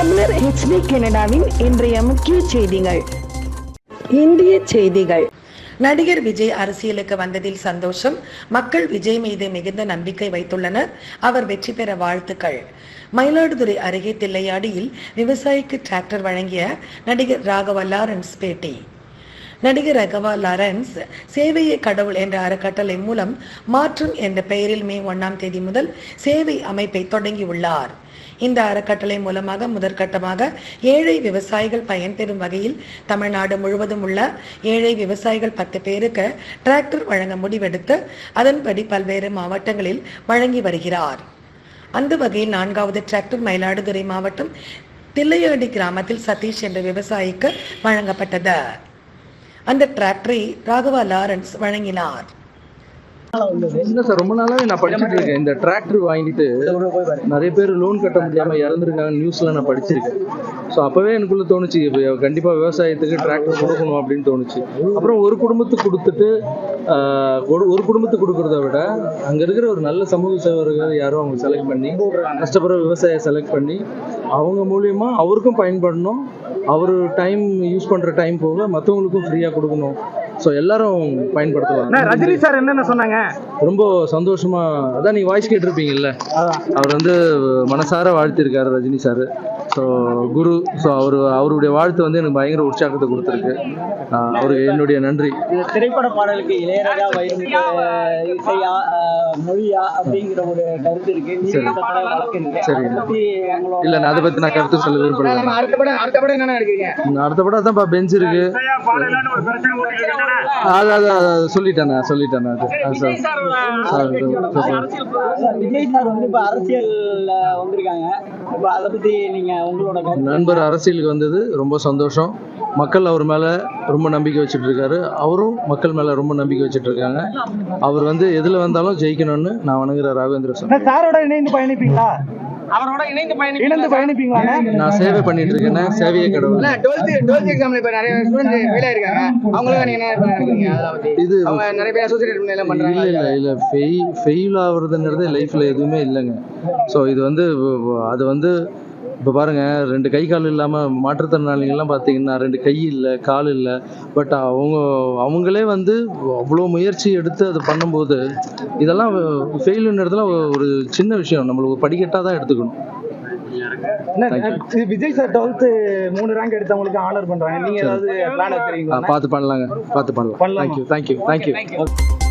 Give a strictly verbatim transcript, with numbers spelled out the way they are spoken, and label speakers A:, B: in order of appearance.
A: தமிழர் ஹெச்டி கனடாவின் இன்றைய முக்கிய செய்திகள். இந்திய செய்திகள்.
B: நடிகர் விஜய் அரசியலுக்கு வந்ததில் சந்தோஷம். மக்கள் விஜய் மீது மிகுந்த நம்பிக்கை வைத்துள்ளனர். அவர் வெற்றி பெற வாழ்த்துக்கள். மயிலாடுதுறை அருகே தில்லையாடியில் விவசாயிக்கு டிராக்டர் வழங்கிய நடிகர் ராகவா லாரன்ஸ் பேட்டி. நடிகர் ராகவா லாரன்ஸ் சேவையை கடவுள் என்ற அறக்கட்டளை மூலம் மாற்றம் என்ற பெயரில் மே ஒன்னாம் தேதி முதல் சேவை அமைப்பை தொடங்கியுள்ளார். இந்த அறக்கட்டளை மூலமாக முதற்கட்டமாக ஏழை விவசாயிகள் பயன்பெறும் வகையில் தமிழ்நாடு முழுவதும் உள்ள ஏழை விவசாயிகள் பத்து பேருக்கு டிராக்டர் வழங்க முடிவெடுத்து அதன்படி பல்வேறு மாவட்டங்களில் வழங்கி வருகிறார். அந்த வகையில் நான்காவது டிராக்டர் மயிலாடுதுறை மாவட்டம் தில்லையாடி கிராமத்தில் சதீஷ் என்ற விவசாயிக்கு வழங்கப்பட்டது. அந்த டிராக்டரை ராகவா லாரன்ஸ் வழங்கினார்.
C: இல்லை சார், ரொம்ப நாளாவே நான் படிச்சுட்டு இருக்கேன். இந்த டிராக்டர் வாங்கிட்டு நிறைய பேர் லோன் கட்ட முடியாமல் இறந்துருக்காங்க நியூஸ்ல நான் படிச்சிருக்கேன். ஸோ அப்போவே எனக்குள்ள தோணுச்சு, கண்டிப்பாக விவசாயத்துக்கு டிராக்டர் கொடுக்கணும் அப்படின்னு தோணுச்சு. அப்புறம் ஒரு குடும்பத்துக்கு கொடுத்துட்டு ஒரு குடும்பத்துக்கு கொடுக்கறத விட அங்கே இருக்கிற ஒரு நல்ல சமூக சேவர்கள் யாரும் அவங்க செலக்ட் பண்ணி கஷ்டப்படுற விவசாயியை செலக்ட் பண்ணி அவங்க மூலியமா அவருக்கும் பயன்படணும், அவர் டைம் யூஸ் பண்ணுற டைம் போக மற்றவங்களுக்கும் ஃப்ரீயாக கொடுக்கணும். ஸோ எல்லாரும் பயன்படுத்தலாம்.
D: ரஜினி சார் என்னென்ன சொன்னாங்க?
C: ரொம்ப சந்தோஷமா, அதான் நீங்க வாய்ஸ் கேட்டிருப்பீங்கல்ல, அவர் வந்து மனசார வாழ்த்திருக்காரு ரஜினி சார். ஸோ குரு, ஸோ அவரு அவருடைய வாழ்த்து வந்து எனக்கு பயங்கர உற்சாகத்தை கொடுத்துருக்கு. அவருக்கு என்னுடைய நன்றி.
D: திரைப்பட பாடலுக்கு இளையராஜா இசையா மொழியா அப்படிங்கிற ஒரு கருத்து இருக்கு.
C: சரி, இல்ல நான் அதை பத்தி நான் கருத்து சொல்ல விரும்பல.
D: அடுத்த படம் என்ன நினைக்கிறீங்க?
C: அடுத்த படம் அதான் பெஞ்ச் இருக்கு. அதான் சொல்லிட்டேன் சொல்லிட்டேன்
D: விஜய் சார் வந்து இப்ப அரசியல்ல வந்திருக்காங்க. இப்ப அதை பத்தி நீங்க உங்களோட
C: நண்பர் அரசியலுக்கு வந்தது ரொம்ப சந்தோஷம். மக்கள் அவர் மேல ரொம்ப நம்பிக்கை வச்சுட்டு இருக்காரு, அவரும் மக்கள் மேல ரொம்ப நம்பிக்கை வச்சுட்டு இருக்காங்க. அவர் வந்து எதுல வந்தாலும் ஜெயிக்கணும்னு நான் வணங்குற ராகவேந்திர சார்.
D: சாரோட இணைந்து பயணிப்பீங்களா? அவரோட இணைந்து பயணிப்பீங்க பயணிப்பீங்களா?
C: நான் சேவை பண்ணிட்டு இருக்கேன். சேவையை கடவுள்.
D: டுவெல்த் எக்ஸாம்ல இப்ப நிறைய ஸ்டூடெண்ட் ஃபெயில் ஆயிருக்காங்க. அவங்களுக்கு நீங்க என்ன நினைக்கிறீங்க? அதாவது இது அவங்க நிறைய பேர் அசோசியேட் எல்லாம் பண்றாங்க.
C: இல்ல இல்ல ஃபெயில் ஃபெயில் ஆகுறதுங்கிறது லைஃப்ல எதுவுமே இல்லைங்க. ஸோ இது வந்து அது வந்து இப்போ பாருங்கள், ரெண்டு கை கால் இல்லாமல் மாற்றுத்திறனாளிகள்லாம் பார்த்தீங்கன்னா ரெண்டு கை இல்லை கால் இல்லை, பட் அவங்க அவங்களே வந்து அவ்வளோ முயற்சி எடுத்து அது பண்ணும்போது இதெல்லாம் ஃபெயிலுன்றதுலாம் ஒரு சின்ன விஷயம், நம்மளுக்கு படிக்கட்டாக தான் எடுத்துக்கணும்.
D: விஜய் சார் டுவெல்த் மூணு ரேங்க் எடுத்தவங்களுக்கு ஆனர் பண்றாங்க. நீங்க ஏதாவது பிளான் வச்சிருக்கீங்களா?
C: பார்த்து பண்ணலாங்க, பார்த்து பண்ணலாம். Thank you thank you thank you